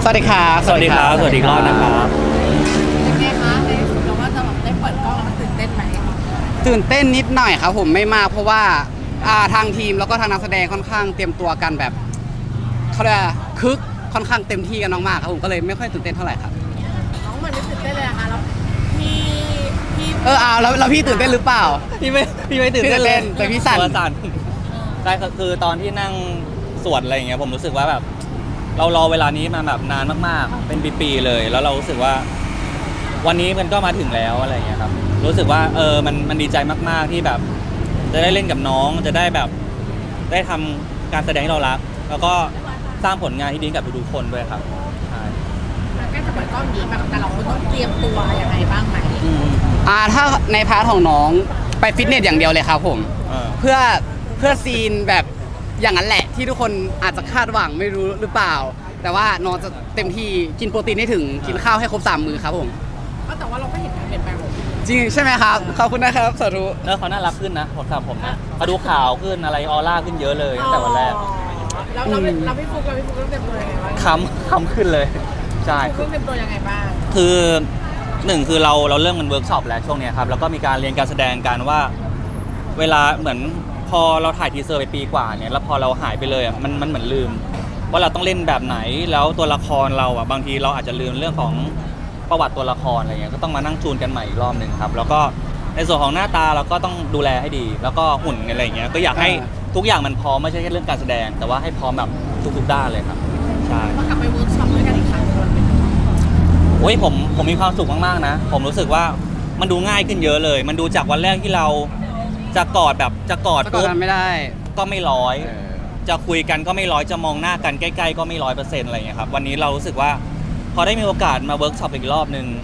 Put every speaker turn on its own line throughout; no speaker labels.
สวัสดีครับ
สวัสดีครับสวัสดีรอบนะครับ
เป็นไงคะในที่สุดเราว่าจะแบบได้เปิดกล้องแล้วมันตื่นเต้นไหม
ตื่นเต้นนิดหน่อยครับผมไม่มากเพราะว่าทางทีมแล้วก็ทางนักแสดงค่อนข้างเตรียมตัวกันแบบเขาเรียกว่าคึกค่อนข้างเต็มที่กันมากๆครับผมก็เลยไม่ค่อยตื่นเต้นเท่าไหร่ครับ
น้องเหมือนไม่ตื่นเต้นเลยอะค่ะแล้วพี่
แล้วพี่ตื่นเต้นหรือเปล่า
พี่ไม่ตื่นเต้นเลย
แต่พี่สั่น
ตัวสั่นใช่คือตอนที่นั่งสวดอะไรอย่างเงี้ยผมรู้สึกว่าแบบเรารอเวลานี้มาแบบนานมากๆเป็นปีๆเลยแล้วเรารู้สึกว่าวันนี้มันก็มาถึงแล้วอะไรอย่างเงี้ยครับรู้สึกว่ามันดีใจมากๆที่แบบจะได้เล่นกับน้องจะได้แบบได้ทำการแสดงที่เรารักแล้วก็สร้างผลงานที่ดีกับทุกๆคนด้วยครับใช่
ใกล้จะเปิดกล้องนี้แบบแต่เราต้องเตรียมตัวยังไงบ้างไหม
ถ้าในพาร์ทของน้องไปฟิตเนสอย่างเดียวเลยครับผมเพื่อซีนแบบอย่างนั้นแหละที่ทุกคนอาจจะคาดหวังไม่รู้หรือเปล่า แต่ว่าน้องจะเต็มที่กินโปรตีนให้ถึงกินข้าวให้ครบ3 มื้อครับผม
แต่ว่าเราก็เห็นการเปลี่ยนแปลงของพี่
จริงใช่ไหมครับขอบคุณนะครับสาธุ
แล้วเขาน่ารักขึ้นนะผมนะเขาดูขาวขึ้นอะไรออร่าขึ้นเยอะเลยตั้งแต่วันแรก
เราพี่ฟุกต้องเตรียมตัวยังไงบ้าง
คำขึ้นเลยใช่
ฟุกต้องเตรียมตัวยังไงบ้าง
คือหนึ่งคือเราเริ่มกันเวิร์กช็อปแล้วช่วงเนี้ยครับแล้วก็มีการเรียนการแสดงกันว่าเวลาเหมือนพอเราถ่ายทีเซอร์ไปปีกว่าเนี่ยแล้วพอเราหายไปเลยอ่ะมันเหมือนลืมว่าเราต้องเล่นแบบไหนแล้วตัวละครเราอ่ะบางทีเราอาจจะลืมเรื่องของประวัติตัวละครอะไรเงี้ยก็ต้องมานั่งจูนกันใหม่อีกรอบหนึ่งครับแล้วก็ในส่วนของหน้าตาเราก็ต้องดูแลให้ดี แล้วก็หุ่นอะไรเงี้ยก็อยากให้ทุกอย่างมันพร้อมไม่ใช่แค่เรื่องการแสดงแต่ว่าให้พร้อมแบบทุกๆด้านเลยครับใช่
ว่ากลับไปเวิร์กช็อปด้วยกันอีกครั้งมันเป็น
โอ้ยผมมีความสุขมากๆนะผมรู้สึกว่ามันดูง่ายขึ้นเยอะเลย มันดูจากวันแรกที่เราจะกอดปุ๊บ
ไม่ได้
ก็ไม่ร้อยจะคุยกันก็ไม่ร้อยจะมองหน้ากันใกล้ๆก็ไม่100%อะไรอย่างเงี้ยครับวันนี้เรารู้สึกว่าพอได้มีโอกาสมาเวิร์กช็อปอีกรอบนึง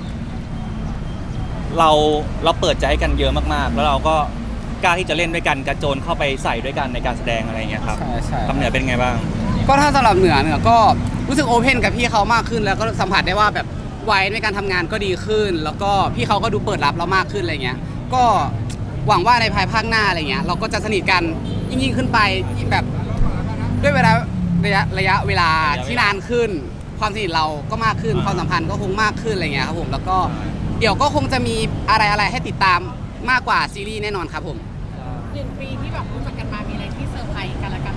เราเปิดใจให้กันเยอะมากๆแล้วเราก็กล้าที่จะเล่นด้วยกันกระโจนเข้าไปใส่ด้วยกันในการแสดงอะไรอย่างเงี้ยครับ
ใช่
คำเหนือเป็นไงบ้าง
ก็ถ้าสำหรับเหนือก็รู้สึกโอเพนกับพี่เขามากขึ้นแล้วก็สัมผัสได้ว่าแบบวัยในการทำงานก็ดีขึ้น แล้วก็พี่เขาก็ดูเปิดรับเรามากขึ้นอะไรเงี้ยก็หวังว่าในภายภาคหน้าอะไรเงี้ยเราก็จะสนิทกันยิ่งขึ้นไปแบบด้วยเวลาระยะเวลาที่นานขึ้นความสนิทเราก็มากขึ้นความสัมพันธ์ก็คงมากขึ้นอะไรเงี้ยครับผมแล้วก็เดี๋ยวก็คงจะมีอะไรให้ติดตามมากกว่าซีรีส์แน่นอนครับผม
1 ปีที่แบบรู้จักกันมามีอะไรที่เซอร์ไพรส์กันละกัน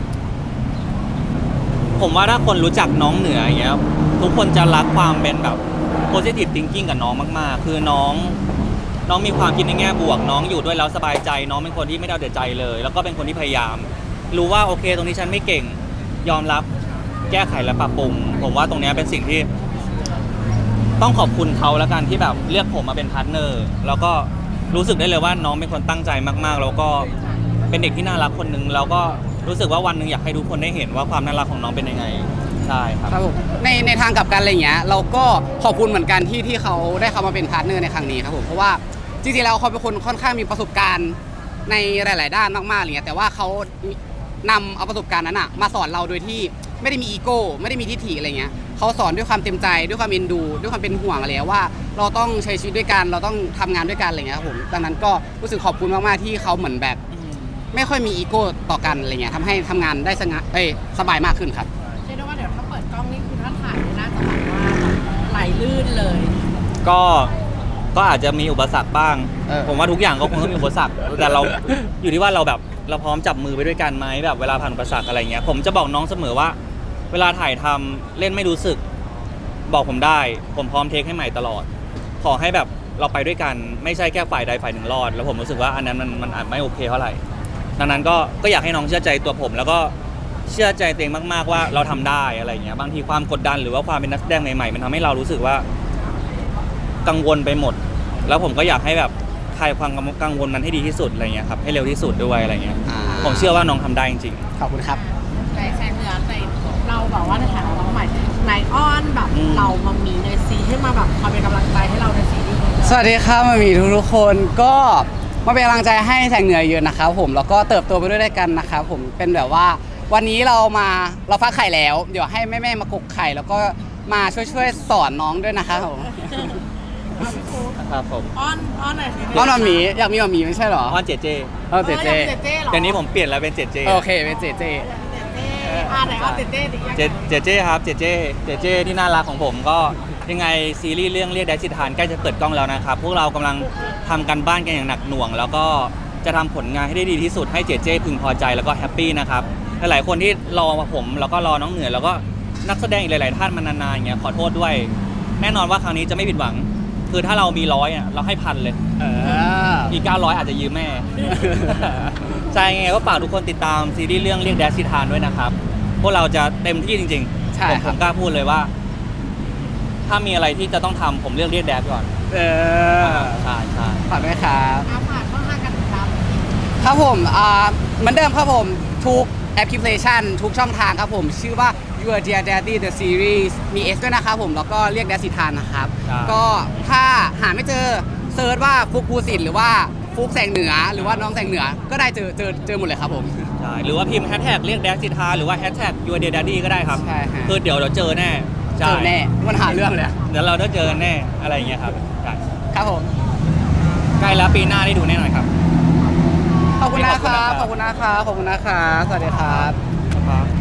ผมว่าถ้าคนรู้จักน้องเหนืออย่างเงี้ยทุกคนจะรักความเป็นแบบ positive thinking กับน้องมากๆคือน้องมีความคิดในแง่บวกน้องอยู่ด้วยแล้วสบายใจน้องเป็นคนที่ไม่เอาแต่ใจเลยแล้วก็เป็นคนที่พยายามรู้ว่าโอเคตรงนี้ฉันไม่เก่งยอมรับแก้ไขและปรับปรุงผมว่าตรงนี้เป็นสิ่งที่ต้องขอบคุณเขาแล้วกันที่แบบเลือกผมมาเป็นพาร์ทเนอร์แล้วก็รู้สึกได้เลยว่าน้องเป็นคนตั้งใจมากๆแล้วก็เป็นเด็กที่น่ารักคนนึงแล้วก็รู้สึกว่าวันนึงอยากให้ทุกคนได้เห็นว่าความน่ารักของน้องเป็นยังไงใช่ครับ
ครับผมในทางกลับกันอะไรเงี้ยเราก็ขอบคุณเหมือนกันที่เขาได้เข้ามาเป็นพาร์ทเนอร์ในครั้งนี้ครับผมเพราะว่าจริงๆแล้วเขาเป็นคนค่อนข้างมีประสบการณ์ในหลายๆด้านมากๆอะไรเงี้ยแต่ว่าเขานำเอาประสบการณ์นั้นอะมาสอนเราโดยที่ไม่ได้มีอีโก้ไม่ได้มีทิฐิอะไรเงี้ยเขาสอนด้วยความเต็มใจด้วยความเอ็นดูด้วยความเป็นห่วงอะไรว่าเราต้องใช้ชีวิตด้วยกันเราต้องทำงานด้วยกันอะไรเงี้ยครับผมดังนั้นก็รู้สึกขอบคุณมากๆที่เขาเหมือนแบบไม่ค่อยมีอีโก้ต่อกันอะไรเงี้ยทำให้ทำงานได้สบายมากขึ้นครับ
เรียกได้ว่าเดี๋ยวถ้าเปิดกล้องนี่คือถ้าถ่ายน่าจะแบบว่าไหลลื่นเลย
ก็อาจจะมีอุปสรรคบ้างผมว่าทุกอย่างก็คงต้องมีอุปสรรคแต่เราอยู่ที่ว่าเราแบบเราพร้อมจับมือไปด้วยกันไหมแบบเวลาผ่านอุปสรรคอะไรเงี้ยผมจะบอกน้องเสมอว่าเวลาถ่ายทำเล่นไม่รู้สึกบอกผมได้ผมพร้อมเทคให้ใหม่ตลอดขอให้แบบเราไปด้วยกันไม่ใช่แค่ฝ่ายใดฝ่ายหนึ่งรอดแล้วผมรู้สึกว่าอันนั้นมันอาจไม่โอเคเท่าไหร่ดังนั้นก็อยากให้น้องเชื่อใจตัวผมแล้วก็เชื่อใจตัวเองมากๆว่าเราทำได้อะไรเงี้ยบางทีความกดดันหรือว่าความเป็นนักแสดงใหม่ๆมันทำให้เรารู้สึกว่ากังวลไปหมดแล้วผมก็อยากให้แบบคลายความกังวลนั้นให้ดีที่สุดอะไรเงี้ยครับให้เร็วที่สุดด้วยอะไรเงี้ยผมเชื่อว่าน้องทำได้จริง
ๆขอบคุณครับ
ในแสงเหนือในเราแบบว่าในฐานะน้องใหม่นายอ้อนแบบเรามามีในซีให้มาแบบคอยเป็นกำลังใจให้เราในซีรีส์
สวัสดีครับมามีทุกคนก็มาเป็นกำลังใจให้แสงเหนือเยอะนะครับผมแล้วก็เติบโตไปด้วยกันนะครับผมเป็นแบบว่าวันนี้เราฟักไข่แล้วเดี๋ยวให้แม่มากกไข่แล้วก็มาช่วยสอนน้องด้วยนะครับผม
ครับผม
อ้อนหน่อยสิ
อ้อนมามีอยากมีมามีไม่ใช่หรอ
อ้อนเจเจ
เจเจ
เดี๋ยวนี้ผมเปลี่ยนแล้วเป็นเจเจ
โอเคเป็นเจเจ
ไหนเอาเจเจดิ
เจเจครับเจเจที่น่ารักของผมก็ยังไงซีรีส์เรื่องเรียกแดชสิทานใกล้จะเปิดกล้องแล้วนะครับพวกเรากำลังทำกันบ้านกันอย่างหนักหน่วง แล้วก็จะทำผลงานให้ได้ดีที่สุดให้เจเจพึงพอใจแล้วก็แฮปปี้นะครับหลายๆคนที่รอผมแล้วก็รอน้องเหนือแล้วก็นักแสดงอีกหลายๆท่านมานานๆอย่างเงี้ยขอโทษด้วย แน่นอนว่าครั้งนี้จะไม่ผิดหวัง คือถ้าเรามี100อ่ะเราให้1,000เลยอีก900อาจจะยืมแม่ ใช่ไงก็ฝากทุกคนติดตามซีรีส์เรื่องเรียกแดชสิทานด้วยนะครับพวกเราจะเต็มที่จริง
ใช่
ๆ
ค
ผ
รับ
มกล้าพูดเลยว่า ถ้ามีอะไรที่จะต้องทำผมเลือกเรียกแดชก่อนใช่
ฝากด้วยครับ
ฝากช่องทางการติดตาม
ครับผมเหมือนเดิมครับผมทุกแอปพลิเคชันทุกช่องทางครับผมชื่อว่า Your Dear Daddy The Series มี S ด้วยนะครับผมแล้วก็เรียกแดสิทานนะครับ ก็ถ้าหาไม่เจอเซิร์ชว่าฟุกภูสิทธิ์หรือว่าฟุกแสงเหนือหรือว่าน้องแสงเหนือก็ได้เจอหมดเลยครับผม
ใช่หรือว่าพิมพ์แฮชแท็กเรียกแดชสิทานหรือว่าแฮชแท็ก Your Dear Daddy ก็ได้ครับ
ใช่ฮะ
คือเดี๋ยวเราเจอแน่
เจอแน่มันหาเรื่องเลย
เดี๋ยวเราได้เจอกันแน่อะไรอย่างเงี้ยครับใช่
ครับผม
ใกล้แล้วปีหน้าได้ดูแน่นอนครับ
ขอบคุณนะครับ ขอบคุณนะครับ ขอบคุณนะครับ สวัสดีครับ
ครับ